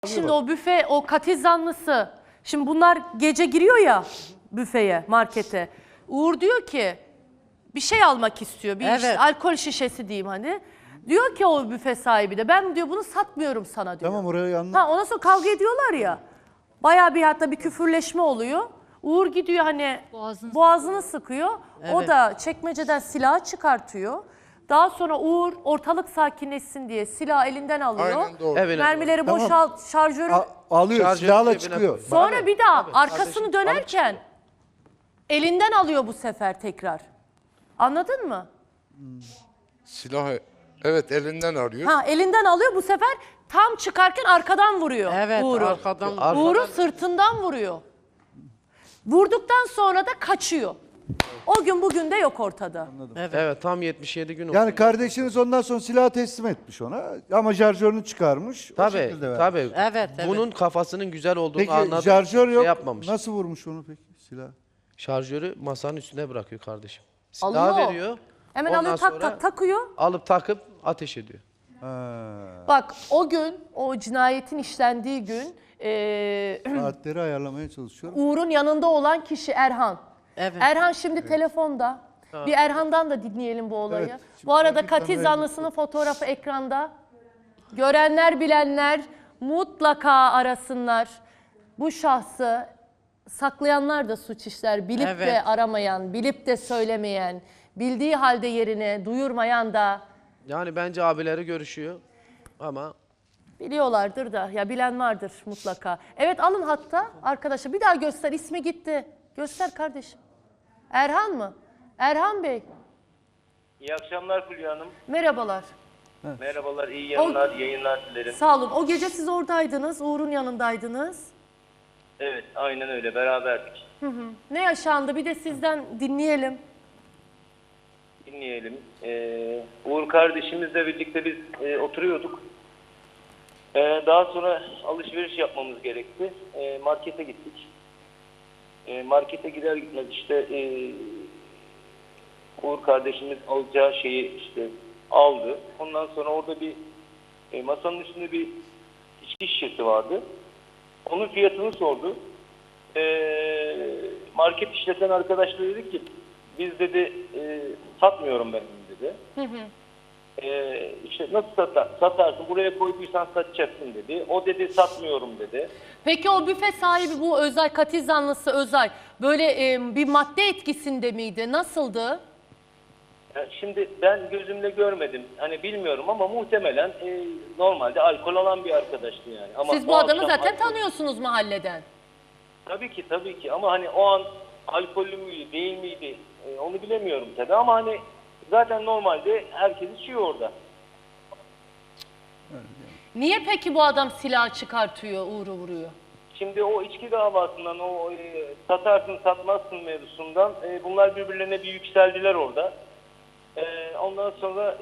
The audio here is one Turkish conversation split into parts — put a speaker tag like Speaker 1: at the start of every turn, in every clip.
Speaker 1: Şimdi o büfe, o katil zanlısı, şimdi bunlar gece giriyor ya büfeye, markete. Uğur diyor ki bir şey almak istiyor, bir işte, alkol şişesi diyeyim hani. Diyor ki o büfe sahibi de ben diyor bunu satmıyorum sana diyor.
Speaker 2: Tamam oraya yanlış.
Speaker 1: Ha, ondan sonra kavga ediyorlar ya. Bayağı bir hatta bir küfürleşme oluyor. Uğur gidiyor hani boğazını sıkıyor. O da çekmeceden silahı çıkartıyor. Daha sonra Uğur ortalık sakinleşsin diye silah elinden alıyor.
Speaker 3: Aynen doğru.
Speaker 4: Evet.
Speaker 1: Mermileri boşalt, şarjörü.
Speaker 2: Alıyor,
Speaker 4: Şarjörün
Speaker 2: silahla
Speaker 4: cebine
Speaker 2: çıkıyor.
Speaker 1: Sonra bir daha arkasını
Speaker 4: kardeşim,
Speaker 1: dönerken elinden alıyor bu sefer tekrar. Anladın mı?
Speaker 3: Silahı evet elinden arıyor.
Speaker 1: Ha, elinden alıyor bu sefer tam çıkarken arkadan vuruyor Uğur'u.
Speaker 4: Arkadan.
Speaker 1: Uğur'u sırtından vuruyor. Vurduktan sonra da kaçıyor. O gün bugün de yok ortada.
Speaker 4: Evet, tam 77 gün oldu.
Speaker 2: Yani kardeşiniz ondan sonra silahı teslim etmiş ona ama şarjörünü çıkarmış. O
Speaker 4: Tabii,
Speaker 2: şekilde vermiş.
Speaker 4: tabii.
Speaker 5: Evet.
Speaker 4: Bunun kafasının güzel olduğunu
Speaker 2: Peki
Speaker 4: anladı.
Speaker 2: şarjör yok.
Speaker 4: Şey yapmamış.
Speaker 2: Nasıl vurmuş onu peki silah?
Speaker 4: Şarjörü masanın üstüne bırakıyor kardeşim. Silah
Speaker 1: Alıyor.
Speaker 4: veriyor.
Speaker 1: Hemen
Speaker 4: ondan
Speaker 1: alıyor
Speaker 4: sonra
Speaker 1: takıyor.
Speaker 4: alıp takıp ateş ediyor.
Speaker 1: Bak o gün, o cinayetin işlendiği gün
Speaker 2: Saatleri ayarlamaya çalışıyorum.
Speaker 1: Uğur'un yanında olan kişi Erhan.
Speaker 5: Evet.
Speaker 1: Erhan şimdi telefonda. Bir Erhan'dan da dinleyelim bu olayı.
Speaker 2: Evet, şimdi
Speaker 1: Bu arada
Speaker 2: bir
Speaker 1: katil
Speaker 2: kameraya
Speaker 1: zanlısının fotoğrafı ekranda. Görenler bilenler mutlaka arasınlar. Bu şahsı saklayanlar da suç işler. Bilip de
Speaker 5: Evet.
Speaker 1: aramayan, bilip de söylemeyen, bildiği halde yerine duyurmayan da
Speaker 4: Yani bence abileri görüşüyor ama
Speaker 1: biliyorlardır da. Ya bilen vardır mutlaka. Evet, alın hatta arkadaşa. Bir daha göster, ismi gitti. Göster kardeşim. Erhan mı? Erhan Bey.
Speaker 6: İyi akşamlar Fulya Hanım.
Speaker 1: Merhabalar.
Speaker 6: Merhabalar, iyi yayınlar dilerim.
Speaker 1: Sağ olun. O gece siz oradaydınız, Uğur'un yanındaydınız.
Speaker 6: Evet, aynen öyle, beraberdik.
Speaker 1: Ne yaşandı? Bir de sizden dinleyelim.
Speaker 6: Dinleyelim. Uğur kardeşimizle birlikte biz oturuyorduk. Daha sonra alışveriş yapmamız gerekti. Markete gittik. Markete gider gitmez işte Uğur kardeşimiz alacağı şeyi işte aldı. Ondan sonra orada bir masanın üstünde bir içki şişesi vardı. Onun fiyatını sordu. Market işleten arkadaşlar dedi ki biz dedi satmıyorum ben dedi. İşte nasıl satarsın, buraya koyduysan satacaksın dedi. O dedi satmıyorum dedi.
Speaker 1: Peki o büfe sahibi, bu Özay, katil zanlısı Özay, böyle bir madde etkisinde miydi? Nasıldı?
Speaker 6: Yani şimdi ben gözümle görmedim. Hani bilmiyorum ama muhtemelen normalde alkol alan bir arkadaştı yani. Ama
Speaker 1: Siz
Speaker 6: o
Speaker 1: bu adamı
Speaker 6: akşam
Speaker 1: zaten tanıyorsunuz mahalleden.
Speaker 6: Tabii ki ama hani o an alkollü müydü değil miydi onu bilemiyorum tabii ama hani zaten normalde herkes içiyor orada.
Speaker 1: Niye peki bu adam silah çıkartıyor, Uğur'u vuruyor?
Speaker 6: Şimdi o içki davasından, o satarsın satmazsın mevzusundan bunlar birbirlerine bir yükseldiler orada. Ondan sonra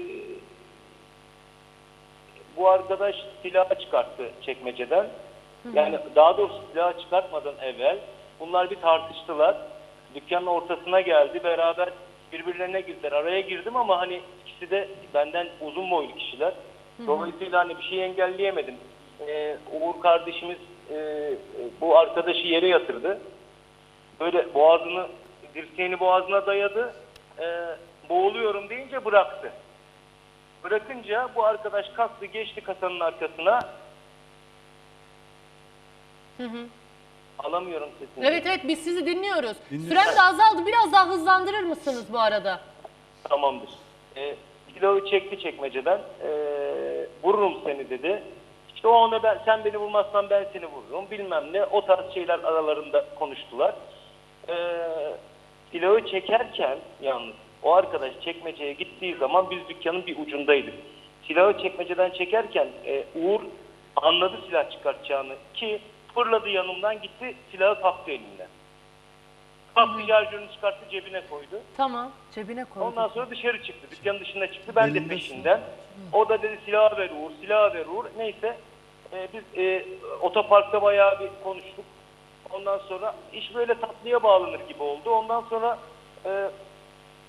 Speaker 6: bu arkadaş silahı çıkarttı çekmeceden. Yani daha doğrusu silahı çıkartmadan evvel bunlar bir tartıştılar. Dükkanın ortasına geldi, beraber birbirlerine girdiler. Araya girdim ama hani ikisi de benden uzun boylu kişiler. Dolayısıyla hani bir şey engelleyemedim. Uğur kardeşimiz bu arkadaşı yere yatırdı. Böyle boğazını, dirseğini boğazına dayadı. Boğuluyorum deyince bıraktı. Bırakınca bu arkadaş kalktı, geçti kasanın arkasına. Alamıyorum sesini.
Speaker 1: Evet biz sizi dinliyoruz. Sürem de azaldı. Biraz daha hızlandırır mısınız bu arada?
Speaker 6: Tamamdır. Silahı çekti çekmeceden. Vururum seni dedi. İşte o ona sen beni vurmazsan ben seni vururum bilmem ne. O tarz şeyler aralarında konuştular. Silahı çekerken yalnız o arkadaş çekmeceye gittiği zaman biz dükkanın bir ucundaydık. Silahı çekmeceden çekerken Uğur anladı silah çıkartacağını ki fırladı yanımdan gitti silahı kaptı elinden. Kaptı şarjörünü çıkarttı cebine koydu.
Speaker 1: Tamam, cebine koydu.
Speaker 6: Ondan sonra dışarı çıktı. Dükkanın dışına çıktı. Ben de peşinden. O da dedi silahı ver Uğur, silahı ver Uğur. Neyse biz otoparkta bayağı bir konuştuk. Ondan sonra iş böyle tatlıya bağlanır gibi oldu. Ondan sonra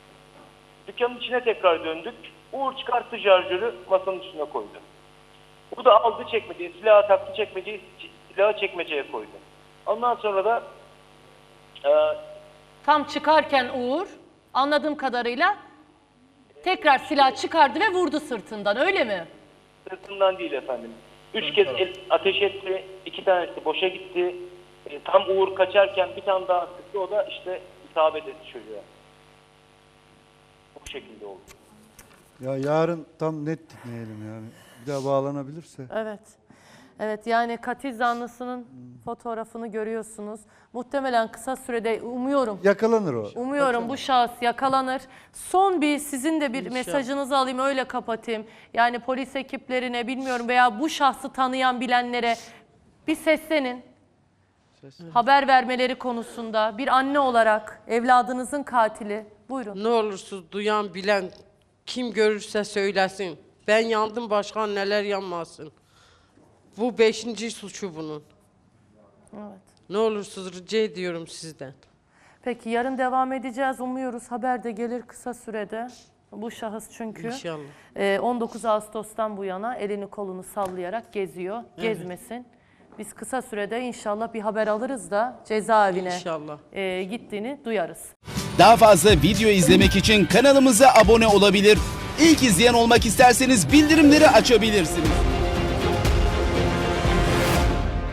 Speaker 6: dükkanın içine tekrar döndük. Uğur çıkarttı şarjörü masanın üstüne koydu. Bu da aldı çekmeceye, silahı taktı çekmeceyi, silahı çekmeceye koydu. Ondan sonra da
Speaker 1: Tam çıkarken Uğur anladığım kadarıyla tekrar silah çıkardı ve vurdu sırtından, öyle mi?
Speaker 6: sırtından değil efendim. 3 kez ateş etti, 2 tanesi boşa gitti. Tam Uğur kaçarken bir tane daha sıktı, o da işte isabet etti çocuğa. Bu şekilde oldu.
Speaker 2: Ya yarın tam net dinleyelim yani. Bir daha bağlanabilirse.
Speaker 1: Evet. Evet, yani katil zanlısının fotoğrafını görüyorsunuz. Muhtemelen kısa sürede
Speaker 2: Yakalanır o.
Speaker 1: umuyorum bu şahıs yakalanır. Son bir sizin de bir mesajınızı alayım, öyle kapatayım. Yani polis ekiplerine bilmiyorum veya bu şahsı tanıyan bilenlere bir seslenin. Haber vermeleri konusunda bir anne olarak evladınızın katili. Buyurun.
Speaker 5: Ne olursunuz duyan bilen kim görürse söylesin. Ben yandım, başka anneler yanmasın. Bu 5. suçu bunun.
Speaker 1: Evet.
Speaker 5: Ne olursunuz rica ediyorum sizden.
Speaker 1: Peki yarın devam edeceğiz. Umuyoruz haber de gelir kısa sürede. Bu şahıs çünkü
Speaker 5: İnşallah.
Speaker 1: 19 Ağustos'tan bu yana elini kolunu sallayarak geziyor. Gezmesin. Biz kısa sürede inşallah bir haber alırız da cezaevine
Speaker 5: İnşallah.
Speaker 1: Gittiğini duyarız.
Speaker 7: Daha fazla video izlemek için kanalımıza abone olabilir. İlk izleyen olmak isterseniz bildirimleri açabilirsiniz.